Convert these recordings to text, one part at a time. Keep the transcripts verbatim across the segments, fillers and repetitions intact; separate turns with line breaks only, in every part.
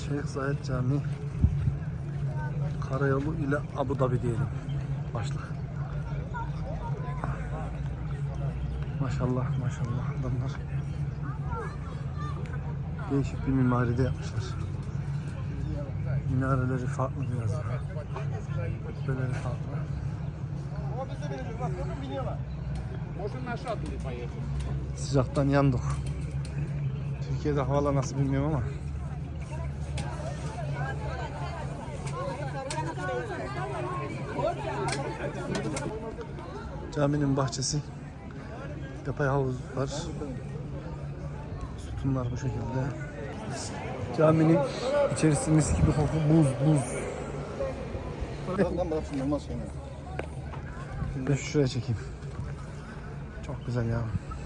Şeyh Zayed Camii Karayolu ile Abu Dhabi diyelim. Başlık. Maşallah maşallah adamlar değişik bir mimaride yapmışlar. Minareleri farklı biraz. Kubbeleri farklı. Sıcaktan yandık. Türkiye'de havalar nasıl bilmiyorum ama. Caminin bahçesi. Yapay havuz var. Sütunlar bu şekilde. Caminin içerisi mis gibi koku, buz buz. Ben şuraya çekeyim. Çok güzel ya.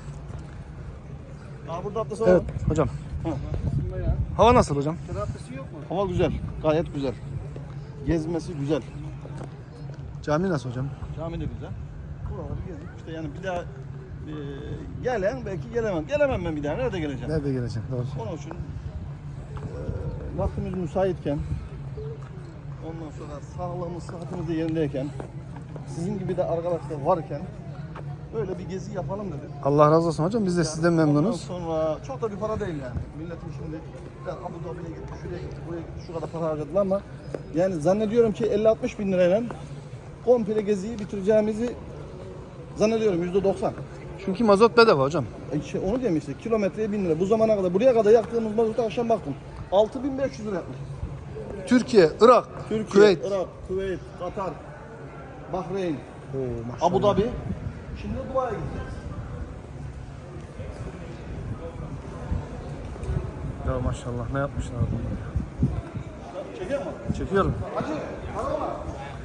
Aa, burada atlasa
evet hocam.
Ha.
Hava nasıl hocam?
Hava güzel, gayet güzel. Gezmesi güzel.
Cami nasıl hocam?
Cami de güzel. Buraları gezdik işte, yani bir daha e, gelen belki gelemem. Gelemem ben bir daha. Nerede geleceğim?
Nerede geleceğim? Doğru.
Onun için e, vaktimiz müsaitken, ondan sonra sağlığımız, sıhhatimiz de yerindeyken, sizin gibi de arkadaşlar varken böyle bir gezi yapalım dedik.
Allah razı olsun hocam. Biz de
Yani
sizden memnunuz.
Ondan sonra çok da bir para değil yani. Milletin şimdi ben Abu Dhabi'ye gitti, şuraya gitti, buraya gitti, şu kadar para harcadılar ama yani zannediyorum ki elli altmış bin lirayla komple geziyi bitireceğimizi zannediyorum, yüzde doksan.
Çünkü mazot bedava hocam.
E şey, onu diyeyim işte, kilometreye bin lira. Bu zamana kadar, buraya kadar yaktığımız mazotu akşam baktım. altı bin beş yüz lira yapmış.
Türkiye, Irak,
Türkiye,
Kuveyt.
Irak, Kuveyt, Katar, Bahreyn,
Oo, maşallah.
Abu Dhabi. Şimdi Dubai'ye gideceğiz.
Ya maşallah ne yapmışlar adamlar.
Çekiyor mu?
Çekiyorum.
Hacı, para var.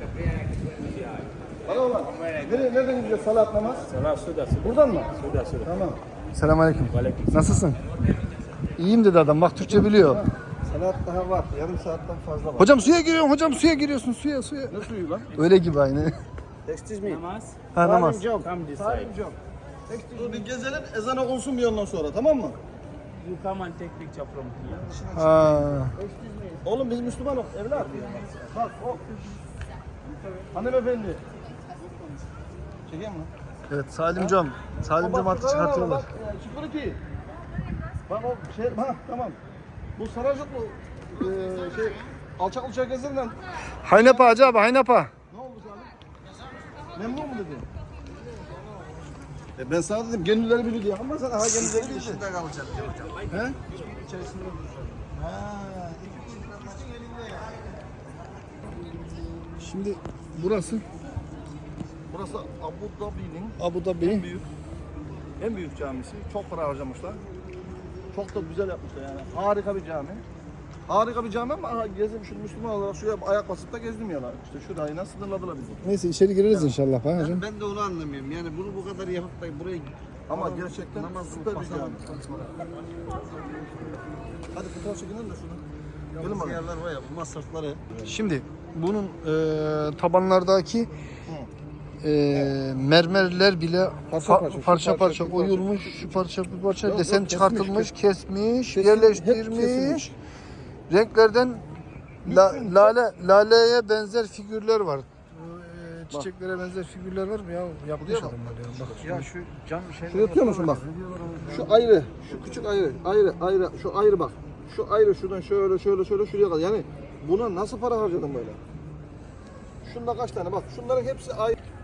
Para var. Nereye, nereden gideceğiz salat namaz?
Salat suda suda.
Buradan mı?
Suda suda.
Tamam.
Selamünaleyküm.
Aleyküm.
Nasılsın? İyiyim dedi adam. Bak Türkçe biliyor.
Salat daha var. Yarım saatten fazla var.
Hocam suya giriyorum. Hocam suya giriyorsun. Suya suya.
Ne suyu lan?
Öyle gibi aynı.
Excuse me.
Namaz.
Ha namaz.
Job.
Come this
Salim
side.
Job. Dur bir gezelim, ezan okunsun bir ondan sonra, tamam mı?
You come and take picture from here.
Ha.
Oğlum biz Müslümanız, evlat. Bak, o. Hanımefendi. Çekeyim mi?
Evet Salimcom. Salimcom artık çıkartıyorlar.
Bak, security. Bak o şey, ha tamam. Bu Saracıklı eee şey, alçak uçak gezinden
Haynapa hacı abi Haynapa.
ne oldu Salim? Memnun mu dedi? E ben sana dedim gönülleri biliyor diye ama sen aha gönülleri biliyor. İçinde kalacak hocam. He? İçerisinde duracak. Ha, iki bin elinde ya.
Şimdi burası
Burası Abu Dhabi'nin
Abu Dhabi.
en büyük en büyük camisi. Çok para harcamışlar. Çok da güzel yapmışlar yani. Harika bir cami. Harika bir cami ama aha, gezdim şu Müslüman olarak şuraya ayak basıp da gezdim ya lan. İşte şurayla sınırladılar bizi.
Neyse içeri gireriz inşallah ha hocam.
Ben de onu anlamıyorum. Yani bunu bu kadar yapıp da buraya
Ama gerçekten
namaz
süper bir
kılıp
cami. Hadi fotoğraf çekelim de şunu. Gelin bakalım.
yerler var ya, bu masrafları.
Şimdi bunun e, tabanlardaki e, mermerler bile
Parça
fa-
parça, şu
parça
parça,
parça
şu parça.
oyulmuş, şu parça bu parça
Yok,
desen
yok,
çıkartılmış,
kesmiş,
kesmiş,
Kesin-
yerleştirmiş.
hep kesilmiş.
Renklerden la-
Bütün-
lale laleye benzer figürler var. E, çiçeklere benzer figürler var mı ya? Yapmış
Buraya bak.
adamlar ya. Bak.
Ya şu cam şey.
Şuraya tutuyor musun bak? Şu ayrı, şu küçük ayrı, ayrı, ayrı, şu ayrı bak. Şu ayrı şuradan şöyle şöyle şöyle şuraya kadar. Yani buna nasıl para harcadın böyle? Şunda kaç tane bak. Şunların hepsi ayrı.